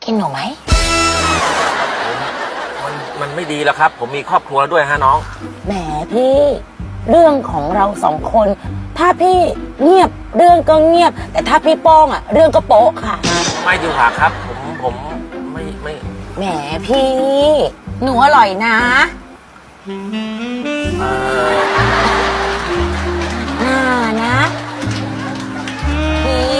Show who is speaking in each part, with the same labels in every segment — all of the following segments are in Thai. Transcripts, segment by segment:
Speaker 1: กินหนูไหม
Speaker 2: มันไม่ดีแล้วครับผมมีครอบครัวด้วยฮะน้อง
Speaker 1: แหมพี่เรื่องของเราสองคน ถ้าพี่เงียบเรื่องก็เงียบ แต่ถ้าพี่โป้งอ่ะเรื่องก็โป๊ะค่ะ
Speaker 2: ไม่ดีกว่าครับผมไม่
Speaker 1: แหมพี่หนูอร่อยนะน่านะพี่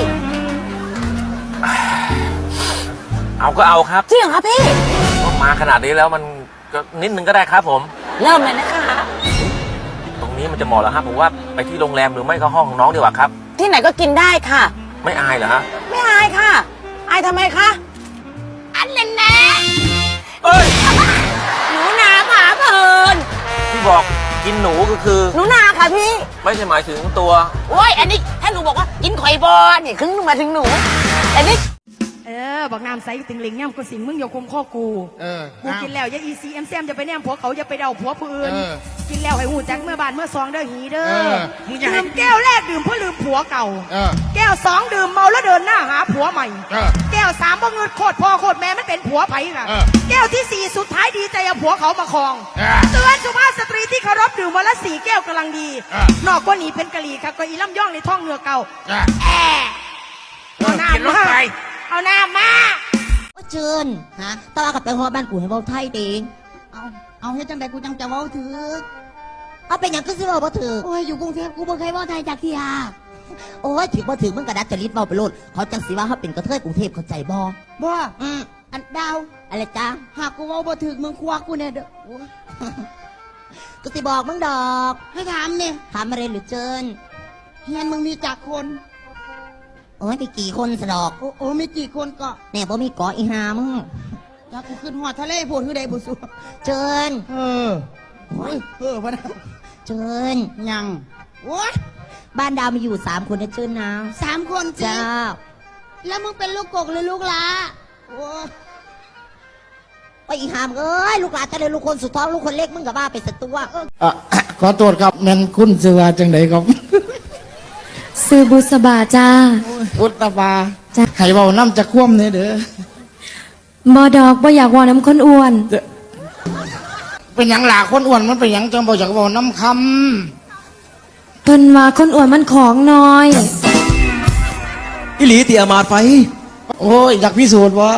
Speaker 2: เอาก็เอาครับ
Speaker 1: จริงเหรอคะพี่
Speaker 2: มาขนาดนี้แล้วมันก็นิดนึงก็ได้ครับผม
Speaker 1: เริ่มเลยนะคะ
Speaker 2: ตรงนี้มันจะเหมาะแล้วครับผมว่าไปที่โรงแรมหรือไม่ก็ห้องของน้องดีกว่าครับ
Speaker 1: ที่ไหนก็กินได้ค่ะ
Speaker 2: ไม่อายเหรอฮะ
Speaker 1: ไม่อายค่ะอายทำไมคะอันนั้นแน่
Speaker 2: เอ้ย
Speaker 1: หนูนาผาเพลิน
Speaker 2: ที่บอกกินหนูก็คือ
Speaker 1: หนูนาค่ะพี่
Speaker 2: ไม่ใช่หมายถึงตัว
Speaker 1: โอ้ยอันนี้ถ้าหนูบอกว่ากินข่อยบอลเนี่ยครึ่งหนูมาถึงหนูอันนี้
Speaker 3: บอกน้ำใสติงลิงเนี่ยกูสิงมึงอย่าคุมข้อกูกูกินแล้วอย่าอีซีเอ็มแซมอย่าไปแนมผัวเขาอย่าไปเดาผัวผู้อื่นกินแล้วให้หูจักเมื่อบานเมื่อซองเด้อหีเด้อดื่มแก้วแรกดื่มเพื่อลืมผัวเก่าแก้วสองดื่มเมาแล้วเดินหน้าหาผัวใหม่แก้วสามบ่เงินโคตรพ่อโคตรแม่มันเป็นผัวไผ่ค่ะแก้วที่สี่สุดท้ายดีใจเอาผัวเขามาครองเตือนสุภาพสตรีที่เคารพดื่มวันละ4 แก้วกำลังดีนอกกว่านี้เป็นกะหรี่ค่ะก็อีล่ำย่องในท้องเนื้อเก่าเอาหน้ามาเอาหน้ามา
Speaker 4: เชิญฮะตลาดกับไปหัวบ้านกูให้เว้าไทยเองเอาให้จังใดกูจังจะเว้าถือเอาเป็นอย่างก็สิเว้าบ่ถือโอ้ยอยู่กรุงเทพกูบ่เคยเว้าไทยจากที่ฮะโอ้ยถือบ่ถือมึงกระดัดจริตเว้าไปโลดเขาจังสิว่าเขาเป็นกระเทยกรุงเทพเข้าใจบ่อันดาวอะไรจ้าหากกูเว้าบ่ถือมึงควักกูเนี่ยเด้อกูสิบอกมึงดอกให้ถามเนี่ยถามอะไรหรือเจิญเฮียนมึงมีจักคนโอ้ยมีกี่คนสะดอกโอ้มีกี่คนก็เนี่ยบ่มีเกาะอีหามึงถ้ากูขึ้นหอดทะเลโผล่คือใดบุษเจิญพะนะเจิญยังโอ้ยบ้านดาวมีอยู่3 คนนะเจิญนะ3 คนจ้าแล้วมึงเป็นลูกกกหรือลูกลาโอ้ไปอีหามเอ้ยลูกหลานจะเลยลูกคนสุดท้องลูกคนเล็กมึงกับบ้าไปสัตว์ตัว
Speaker 5: ขอโทษครับแม่นคุณเสือจังไดครับ
Speaker 6: ซื้อบุษบาจ้า
Speaker 5: บุษบาจ้าให้เบาน้ำจะคว่ำเนี่ยเด้
Speaker 6: อบอดอกบ่อยากว่าน้ำคนอ้วน
Speaker 5: เป็นอย่างหลาคนอ้วนมันเป็นอย่างจังบ่อยากเบาน้ำค
Speaker 6: ำเพิ่นว่าคนอ้วนมันของน้อย
Speaker 7: อิหลีเตียมาดไฟ
Speaker 5: โอ้ยอยากพิสูจน์วะ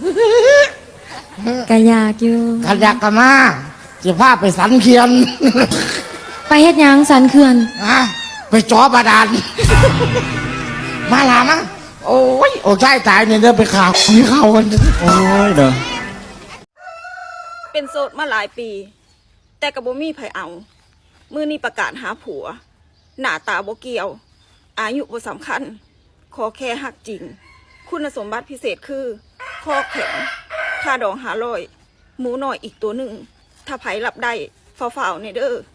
Speaker 6: กะยากอยู่
Speaker 5: กะยากกะมาจะพาไปสันเขียน
Speaker 6: ไปเฮ็ดยังสันเขื่อน
Speaker 5: ไปจ่อบาดาลมาลามาโอ้ยโอ้ใช่ตายเนี่ยเดินไปข่าวมีข่าวกัน
Speaker 7: โอ้ยเด้อ
Speaker 8: เป็นโสดมาหลายปีแต่กับบ่มีไผเอามือนี้ประกาศหาผัวหน้าตาบ่เกี่ยวอายุบ่สำคัญขอแค่หักจริงคุณสมบัติพิเศษคือคอแข็งค่าดอง500หมูหน่อยอีกตัวหนึ่งถ้าไผรับได้ฝ่าๆเนี่ยเด้อ